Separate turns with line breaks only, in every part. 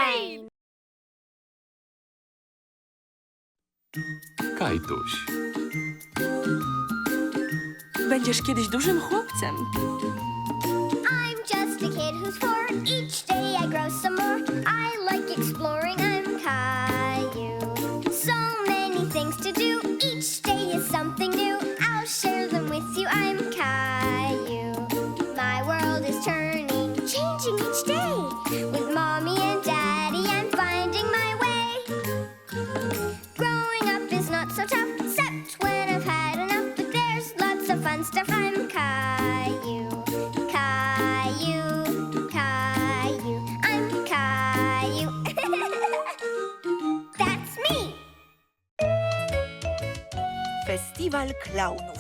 Rain!
Kajtuś.
Będziesz kiedyś dużym chłopcem.
I'm just a kid who's 4. Each day I grow some more. I like exploring. I'm Caillou. So many things to do. Each day is something new. I'll share them with you. I'm Caillou. My world is turning, changing each day. With mommy and daddy, I'm finding my way. Growing up is not so tough, except when I've had enough. But there's lots of fun stuff. I'm Caillou. Caillou, Caillou, I'm Caillou. That's me.
Festiwal klaunów.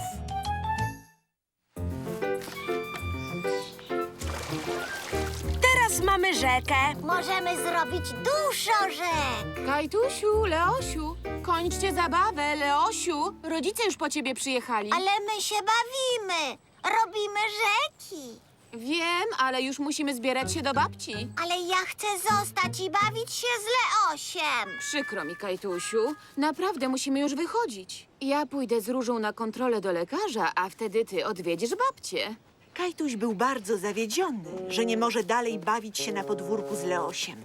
Teraz mamy rzekę.
Możemy zrobić dużo rzek.
Kajtusiu, Leosiu, kończcie zabawę, Leosiu. Rodzice już po ciebie przyjechali.
Ale my się bawimy. Robimy rzeki.
Wiem, ale już musimy zbierać się do babci.
Ale ja chcę zostać i bawić się z Leosiem.
Przykro mi, Kajtusiu. Naprawdę musimy już wychodzić. Ja pójdę z Różą na kontrolę do lekarza, a wtedy ty odwiedzisz babcię.
Kajtuś był bardzo zawiedziony, że nie może dalej bawić się na podwórku z Leosiem.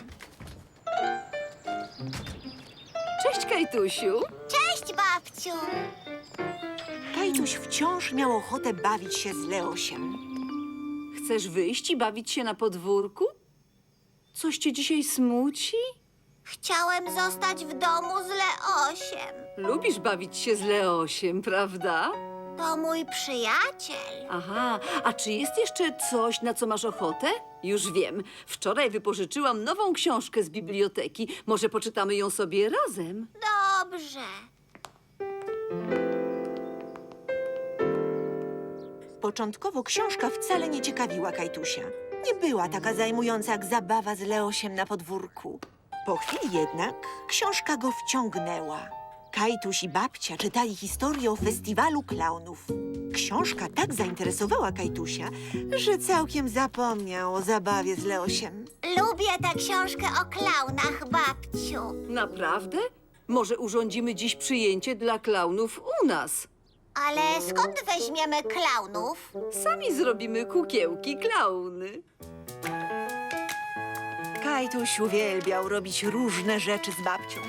Cześć, Kajtusiu.
Cześć, babciu.
Kajtuś wciąż miał ochotę bawić się z Leosiem.
Chcesz wyjść i bawić się na podwórku? Coś cię dzisiaj smuci?
Chciałem zostać w domu z Leosiem.
Lubisz bawić się z Leosiem, prawda?
To mój przyjaciel.
Aha, a czy jest jeszcze coś, na co masz ochotę? Już wiem. Wczoraj wypożyczyłam nową książkę z biblioteki. Może poczytamy ją sobie razem?
Dobrze.
Początkowo książka wcale nie ciekawiła Kajtusia. Nie była taka zajmująca jak zabawa z Leosiem na podwórku. Po chwili jednak książka go wciągnęła. Kajtuś i babcia czytali historię o festiwalu klaunów. Książka tak zainteresowała Kajtusia, że całkiem zapomniał o zabawie z Leosiem.
Lubię tę książkę o klaunach, babciu.
Naprawdę? Może urządzimy dziś przyjęcie dla klaunów u nas?
Ale skąd weźmiemy klaunów?
Sami zrobimy kukiełki klauny.
Kajtuś uwielbiał robić różne rzeczy z babcią.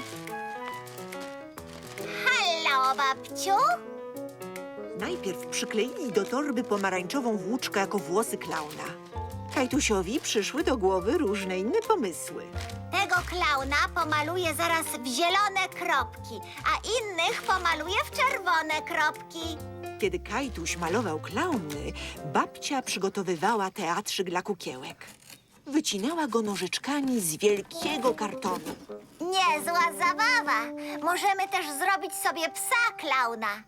Hallo, babciu.
Najpierw przykleili do torby pomarańczową włóczkę jako włosy klauna. Kajtusiowi przyszły do głowy różne inne pomysły.
Tego klauna pomaluję zaraz w zielone kropki, a innych pomaluję w czerwone kropki.
Kiedy Kajtuś malował klauny, babcia przygotowywała teatrzyk dla kukiełek. Wycinała go nożyczkami z wielkiego kartonu.
Niezła zabawa. Możemy też zrobić sobie psa klauna.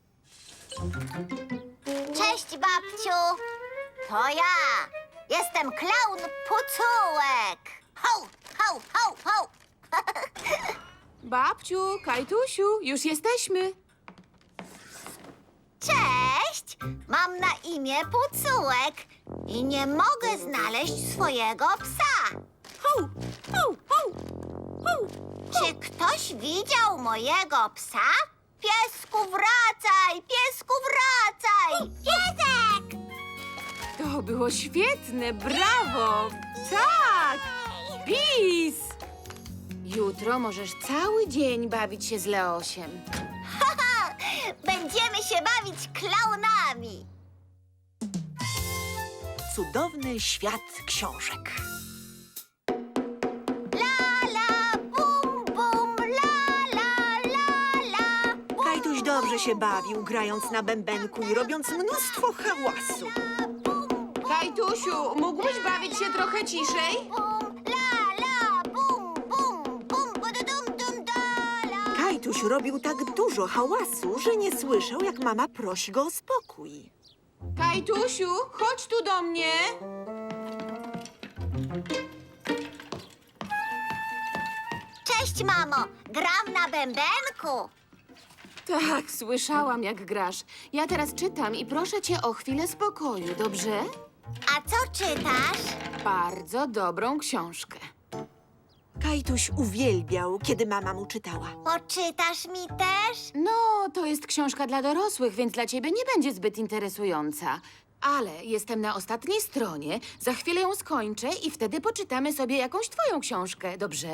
Cześć, babciu. To ja. Jestem klaun Pucułek. Ho, ho, ho, ho.
Babciu, Kajtusiu, już jesteśmy.
Cześć. Mam na imię Pucułek i nie mogę znaleźć swojego psa.
Ho, ho, ho, ho.
Czy ktoś widział mojego psa? Piesku, wracaj! Piesku, wracaj! Piesek!
To było świetne, brawo! Tak! Bis! Jutro możesz cały dzień bawić się z Leosiem.
Będziemy się bawić klaunami.
Cudowny świat książek.
La, la, bum, bum, la, la, la, la. Bum,
Kajtuś dobrze się bawił, grając na bębenku i robiąc mnóstwo hałasu.
Kajtusiu, mógłbyś bawić się trochę ciszej?
bum, la, la, bum, bum, bum, bududum, dum, da, la.
Kajtuś robił tak dużo hałasu, że nie słyszał, jak mama prosi go o spokój.
Kajtusiu, chodź tu do mnie.
Cześć, mamo. Gram na bębenku.
Tak, słyszałam, jak grasz. Ja teraz czytam i proszę cię o chwilę spokoju, dobrze?
A co czytasz?
Bardzo dobrą książkę.
Kajtuś uwielbiał, kiedy mama mu czytała.
Poczytasz mi też?
No, to jest książka dla dorosłych, więc dla ciebie nie będzie zbyt interesująca. Ale jestem na ostatniej stronie, za chwilę ją skończę i wtedy poczytamy sobie jakąś twoją książkę, dobrze?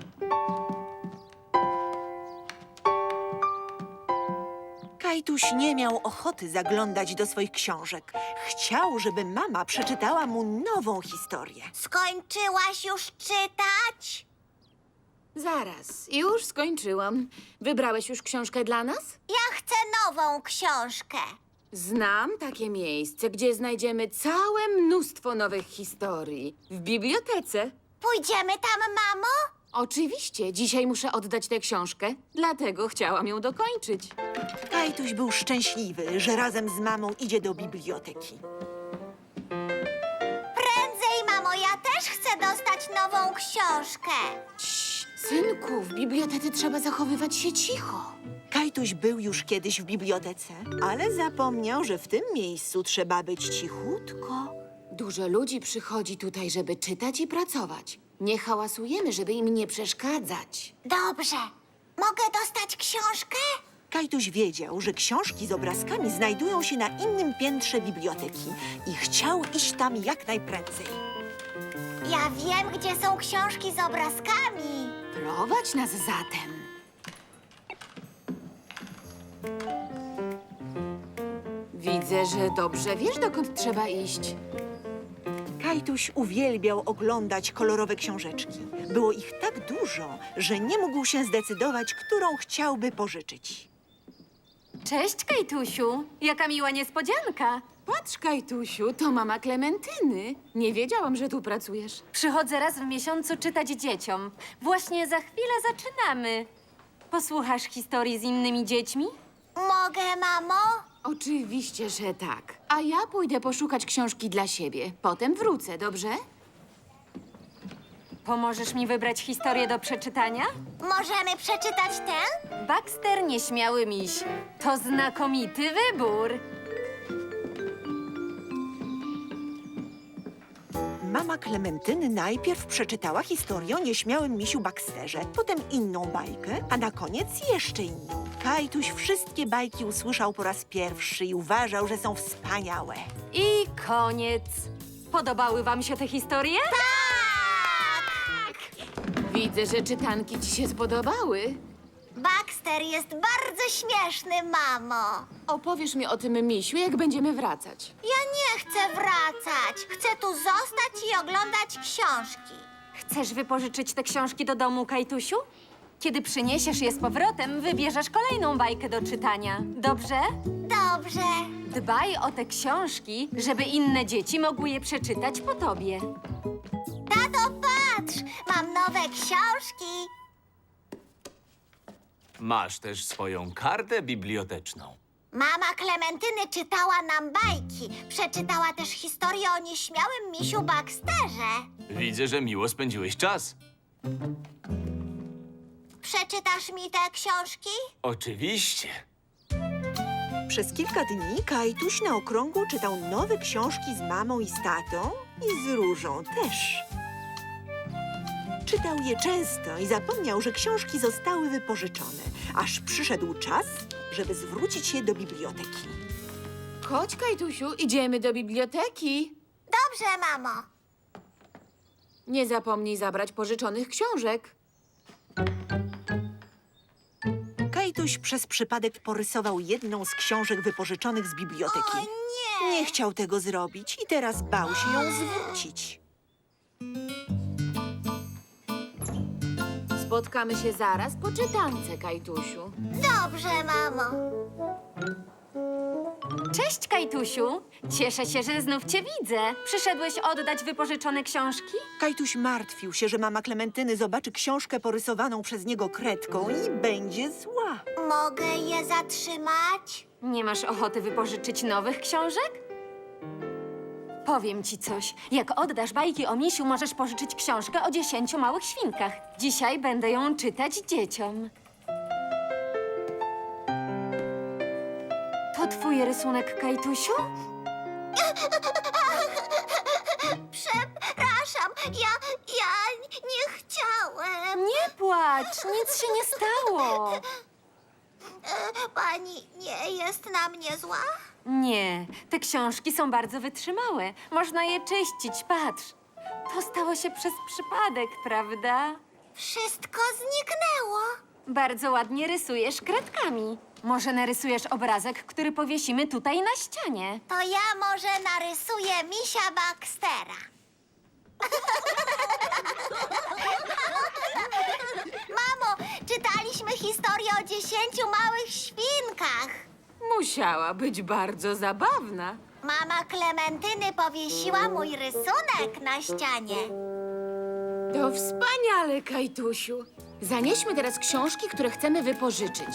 Kajtuś nie miał ochoty zaglądać do swoich książek. Chciał, żeby mama przeczytała mu nową historię.
Skończyłaś już czytać?
Zaraz, już skończyłam. Wybrałeś już książkę dla nas?
Ja chcę nową książkę.
Znam takie miejsce, gdzie znajdziemy całe mnóstwo nowych historii. W bibliotece.
Pójdziemy tam, mamo?
Oczywiście, dzisiaj muszę oddać tę książkę, dlatego chciałam ją dokończyć.
Kajtuś był szczęśliwy, że razem z mamą idzie do biblioteki.
Prędzej, mamo, ja też chcę dostać nową książkę.
Cii, synku, w bibliotece trzeba zachowywać się cicho.
Kajtuś był już kiedyś w bibliotece, ale zapomniał, że w tym miejscu trzeba być cichutko.
Dużo ludzi przychodzi tutaj, żeby czytać i pracować. Nie hałasujemy, żeby im nie przeszkadzać.
Dobrze. Mogę dostać książkę?
Kajtuś wiedział, że książki z obrazkami znajdują się na innym piętrze biblioteki i chciał iść tam jak najprędzej.
Ja wiem, gdzie są książki z obrazkami.
Prowadź nas zatem. Widzę, że dobrze wiesz, dokąd trzeba iść.
Kajtuś uwielbiał oglądać kolorowe książeczki. Było ich tak dużo, że nie mógł się zdecydować, którą chciałby pożyczyć.
Cześć, Kajtusiu. Jaka miła niespodzianka.
Patrz, Kajtusiu, to mama Klementyny. Nie wiedziałam, że tu pracujesz.
Przychodzę raz w miesiącu czytać dzieciom. Właśnie za chwilę zaczynamy. Posłuchasz historii z innymi dziećmi?
Mogę, mamo?
Oczywiście, że tak. A ja pójdę poszukać książki dla siebie. Potem wrócę, dobrze?
Pomożesz mi wybrać historię do przeczytania?
Możemy przeczytać tę?
Baxter Nieśmiały Miś. To znakomity wybór.
Mama Klementyny najpierw przeczytała historię o nieśmiałym misiu Baxterze, potem inną bajkę, a na koniec jeszcze inną. Kajtuś wszystkie bajki usłyszał po raz pierwszy i uważał, że są wspaniałe.
I koniec. Podobały wam się te historie?
Widzę, że czytanki ci się spodobały.
Baxter jest bardzo śmieszny, mamo.
Opowiesz mi o tym misiu, jak będziemy wracać.
Ja nie chcę wracać. Chcę tu zostać i oglądać książki.
Chcesz wypożyczyć te książki do domu, Kajtusiu? Kiedy przyniesiesz je z powrotem, wybierzesz kolejną bajkę do czytania. Dobrze?
Dobrze.
Dbaj o te książki, żeby inne dzieci mogły je przeczytać po tobie.
Tato, patrz! Mam nowe książki.
Masz też swoją kartę biblioteczną.
Mama Klementyny czytała nam bajki. Przeczytała też historię o nieśmiałym misiu Baxterze.
Widzę, że miło spędziłeś czas.
Przeczytasz mi te książki?
Oczywiście.
Przez kilka dni Kajtuś na okrągło czytał nowe książki z mamą i z tatą i z Różą też. Czytał je często i zapomniał, że książki zostały wypożyczone, aż przyszedł czas, żeby zwrócić je do biblioteki.
Chodź, Kajtusiu, idziemy do biblioteki.
Dobrze, mamo.
Nie zapomnij zabrać pożyczonych książek.
Kajtuś przez przypadek porysował jedną z książek wypożyczonych z biblioteki.
O nie!
Nie chciał tego zrobić i teraz bał się ją zwrócić.
Spotkamy się zaraz po czytance, Kajtusiu.
Dobrze, mamo.
Cześć, Kajtusiu. Cieszę się, że znów cię widzę. Przyszedłeś oddać wypożyczone książki?
Kajtuś martwił się, że mama Klementyny zobaczy książkę porysowaną przez niego kredką i będzie zła.
Mogę je zatrzymać?
Nie masz ochoty wypożyczyć nowych książek? Powiem ci coś. Jak oddasz bajki o misiu, możesz pożyczyć książkę o 10 małych świnkach. Dzisiaj będę ją czytać dzieciom. To twój rysunek, Kajtusiu?
Przepraszam, ja nie chciałem.
płacz, nic się nie stało.
Pani nie jest na mnie zła?
Nie, te książki są bardzo wytrzymałe. Można je czyścić, patrz. To stało się przez przypadek, prawda?
Wszystko zniknęło.
Bardzo ładnie rysujesz kredkami. Może narysujesz obrazek, który powiesimy tutaj na ścianie.
To ja może narysuję misia Baxtera. Mamo, czytaliśmy historię o 10 małych świnkach.
Musiała być bardzo zabawna.
Mama Klementyny powiesiła mój rysunek na ścianie.
To wspaniale, Kajtusiu. Zanieśmy teraz książki, które chcemy wypożyczyć.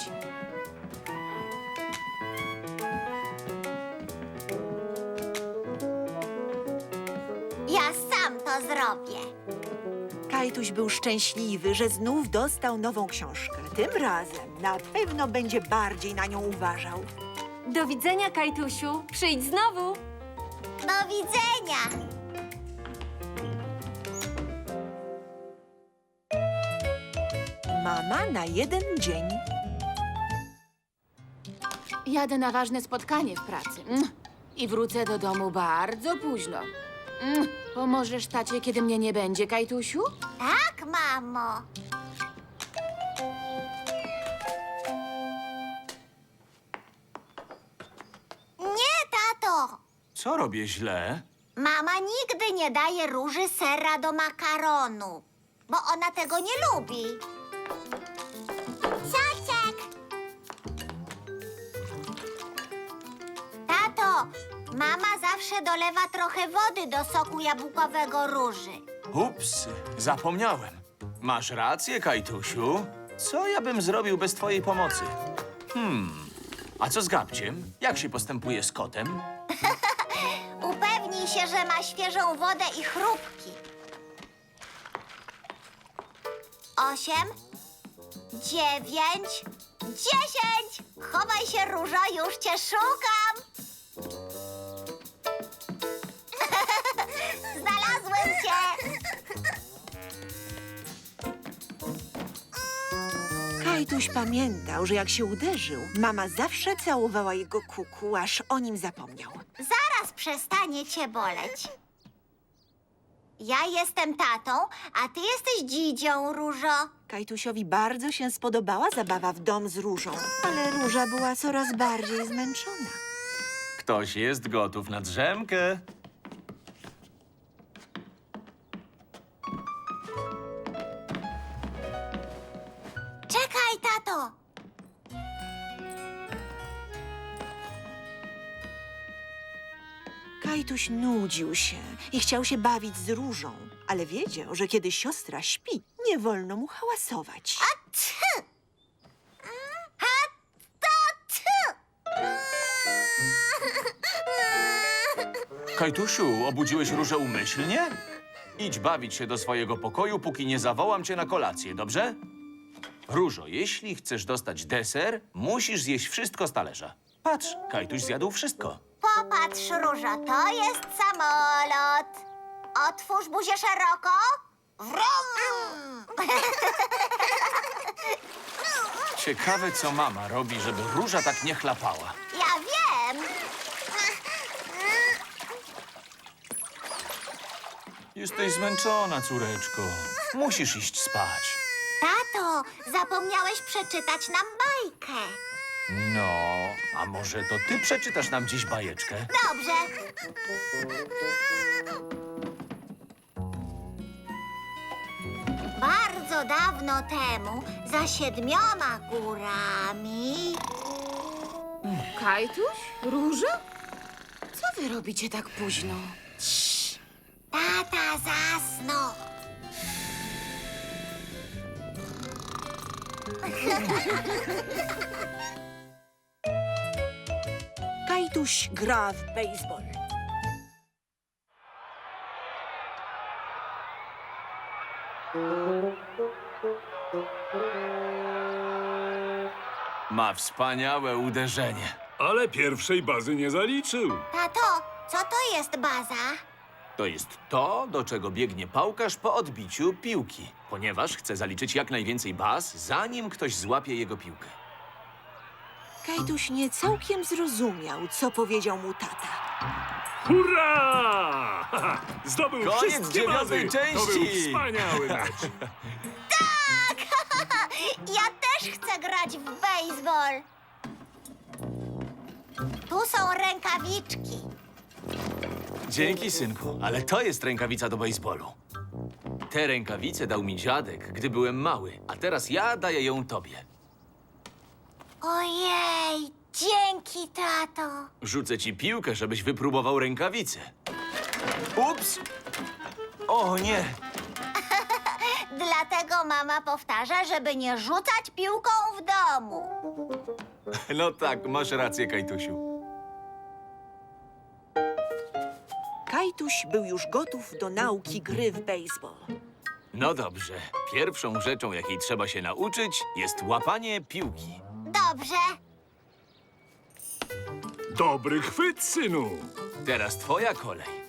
Ja sam to zrobię.
Kajtuś był szczęśliwy, że znów dostał nową książkę. Tym razem na pewno będzie bardziej na nią uważał.
Do widzenia, Kajtusiu. Przyjdź znowu.
Do widzenia.
Mama na jeden dzień.
Jadę na ważne spotkanie w pracy. I wrócę do domu bardzo późno. Pomożesz tacie, kiedy mnie nie będzie, Kajtusiu?
Tak, mamo. Nie, tato.
Co robię źle?
Mama nigdy nie daje Róży sera do makaronu, bo ona tego nie lubi. Siaczek! Tato, mama zawsze dolewa trochę wody do soku jabłkowego Róży.
Ups, zapomniałem. Masz rację, Kajtusiu. Co ja bym zrobił bez twojej pomocy? A co z Gabciem? Jak się postępuje z kotem?
Upewnij się, że ma świeżą wodę i chrupki. 8, 9, 10! Chowaj się, Różo, już cię szukam! Znalazłem cię!
Kajtuś pamiętał, że jak się uderzył, mama zawsze całowała jego kuku, aż o nim zapomniał.
Zaraz przestanie cię boleć. Ja jestem tatą, a ty jesteś dzidzią, Różo.
Kajtusiowi bardzo się spodobała zabawa w dom z Różą, ale Róża była coraz bardziej zmęczona.
Ktoś jest gotów na drzemkę.
Czekaj, tato!
Kajtuś nudził się i chciał się bawić z Różą, ale wiedział, że kiedy siostra śpi, nie wolno mu hałasować.
Ty!
Kajtusiu, obudziłeś Różę umyślnie? Idź bawić się do swojego pokoju, póki nie zawołam cię na kolację, dobrze? Różo, jeśli chcesz dostać deser, musisz zjeść wszystko z talerza. Patrz, Kajtuś zjadł wszystko.
Popatrz, Różo, to jest samolot. Otwórz buzię szeroko. Wrum!
Ciekawe, co mama robi, żeby Róża tak nie chlapała.
Ja wiem.
Jesteś zmęczona, córeczko. Musisz iść spać.
Tato, zapomniałeś przeczytać nam bajkę.
No, a może to ty przeczytasz nam dziś bajeczkę?
Dobrze. Bardzo dawno temu, za 7 górami...
Kajtuś? Róża? Co wy robicie tak późno?
Tata zasnął.
Kajtuś gra w baseball.
Ma wspaniałe uderzenie.
Ale pierwszej bazy nie zaliczył.
Tato, co to jest baza?
To jest to, do czego biegnie pałkarz po odbiciu piłki, ponieważ chce zaliczyć jak najwięcej baz, zanim ktoś złapie jego piłkę.
Kajtuś nie całkiem zrozumiał, co powiedział mu tata.
Hurra! Zdobył
Koniec
wszystkie
dziewiątej
bazy! To był
części!
wspaniały mecz.
Ja też chcę grać w baseball. Tu są rękawiczki.
Dzięki, synku, ale to jest rękawica do baseballu. Te rękawice dał mi dziadek, gdy byłem mały, a teraz ja daję ją tobie.
Ojej, dzięki, tato.
Rzucę ci piłkę, żebyś wypróbował rękawice. Ups! O nie!
Dlatego mama powtarza, żeby nie rzucać piłką w domu.
No tak, masz rację, Kajtusiu.
Kajtuś był już gotów do nauki gry w baseball.
No dobrze. Pierwszą rzeczą, jakiej trzeba się nauczyć, jest łapanie piłki.
Dobrze.
Dobry chwyt, synu.
Teraz twoja kolej.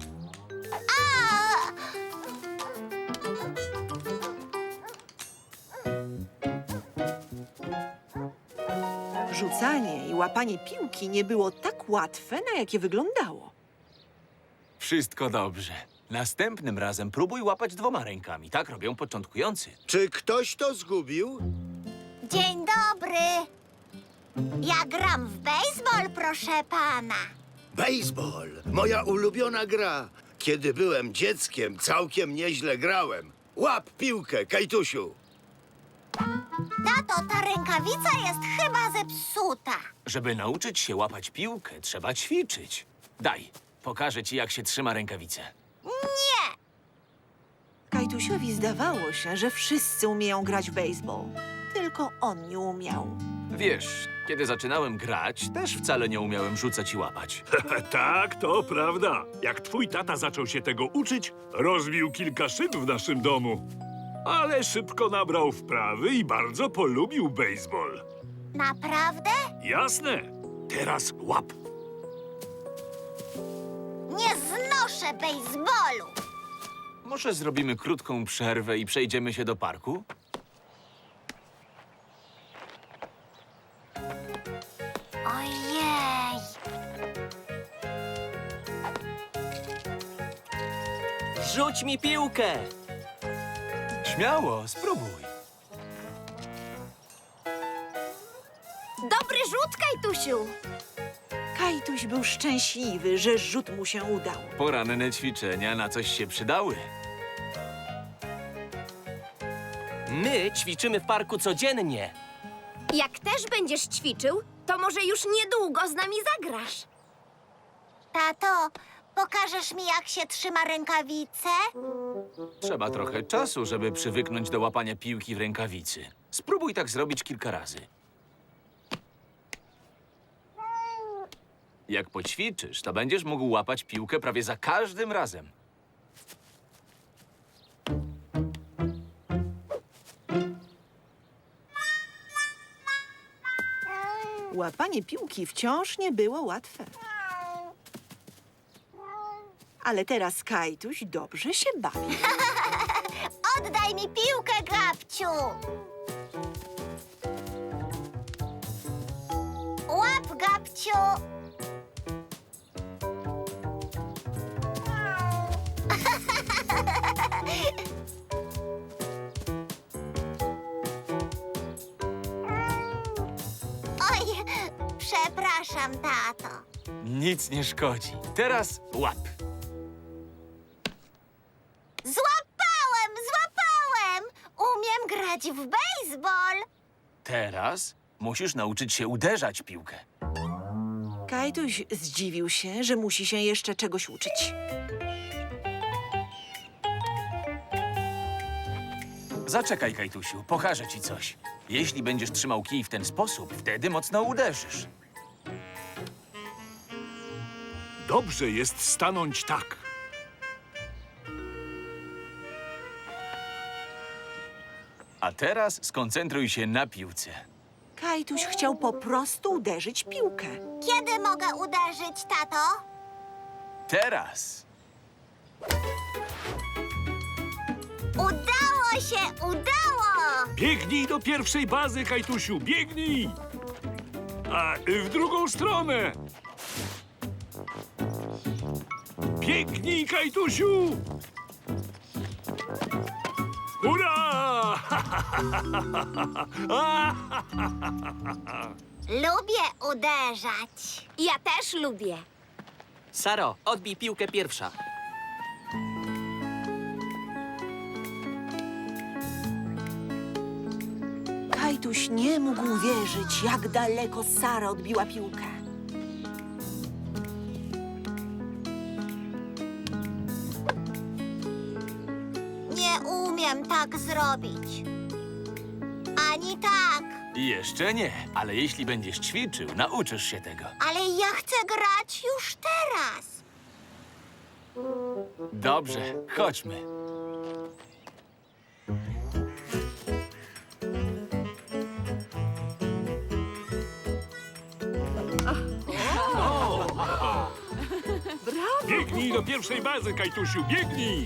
Rzucanie i łapanie piłki nie było tak łatwe, na jakie wyglądało.
Wszystko dobrze. Następnym razem próbuj łapać 2 rękami. Tak robią początkujący.
Czy ktoś to zgubił?
Dzień dobry. Ja gram w baseball, proszę pana.
Baseball, moja ulubiona gra. Kiedy byłem dzieckiem, całkiem nieźle grałem. Łap piłkę, Kajtusiu.
Tato, ta rękawica jest chyba zepsuta.
Żeby nauczyć się łapać piłkę, trzeba ćwiczyć. Daj, pokażę ci, jak się trzyma rękawicę.
Nie.
Kajtusiowi zdawało się, że wszyscy umieją grać w baseball. Tylko on nie umiał.
Wiesz, kiedy zaczynałem grać, też wcale nie umiałem rzucać i łapać.
Tak, to prawda. Jak twój tata zaczął się tego uczyć, rozbił kilka szyb w naszym domu. Ale szybko nabrał wprawy i bardzo polubił baseball.
Naprawdę?
Jasne. Teraz łap.
Nie znoszę baseballu.
Może zrobimy krótką przerwę i przejdziemy się do parku?
Ojej.
Rzuć mi piłkę!
Śmiało, spróbuj.
Dobry rzut, Kajtusiu.
Kajtuś był szczęśliwy, że rzut mu się udał.
Poranne ćwiczenia na coś się przydały.
My ćwiczymy w parku codziennie.
Jak też będziesz ćwiczył, to może już niedługo z nami zagrasz.
Tato, pokażesz mi, jak się trzyma rękawicę?
Trzeba trochę czasu, żeby przywyknąć do łapania piłki w rękawicy. Spróbuj tak zrobić kilka razy. Jak poćwiczysz, to będziesz mógł łapać piłkę prawie za każdym razem.
Łapanie piłki wciąż nie było łatwe. Ale teraz Kajtuś dobrze się bawi.
Oddaj mi piłkę, Gabciu. Łap, Gabciu. Oj, przepraszam, tato.
Nic nie szkodzi. Teraz łap.
Złapałem, złapałem! Umiem grać w baseball.
Teraz musisz nauczyć się uderzać piłkę.
Kajtuś zdziwił się, że musi się jeszcze czegoś uczyć.
Zaczekaj, Kajtusiu, pokażę ci coś. Jeśli będziesz trzymał kij w ten sposób, wtedy mocno uderzysz.
Dobrze jest stanąć tak.
A teraz skoncentruj się na piłce.
Kajtuś chciał po prostu uderzyć piłkę.
Kiedy mogę uderzyć, tato?
Teraz.
Udało się, udało!
Biegnij do pierwszej bazy, Kajtusiu, biegnij! A w drugą stronę! Biegnij, Kajtusiu! Hurra!
Lubię uderzać.
Ja też lubię.
Saro, odbij piłkę pierwsza.
Kajtuś nie mógł wierzyć, jak daleko Sara odbiła piłkę.
Nie umiem tak zrobić. Ani tak.
Jeszcze nie, ale jeśli będziesz ćwiczył, nauczysz się tego.
Ale ja chcę grać już teraz.
Dobrze, chodźmy.
Biegnij do pierwszej bazy, Kajtusiu, biegnij!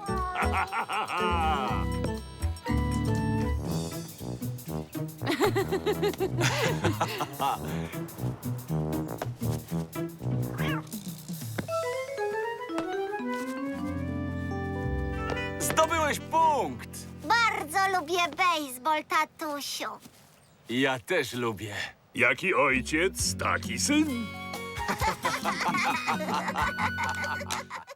Zdobyłeś punkt!
Bardzo lubię bejsbol, tatusiu.
Ja też lubię.
Jaki ojciec, taki syn.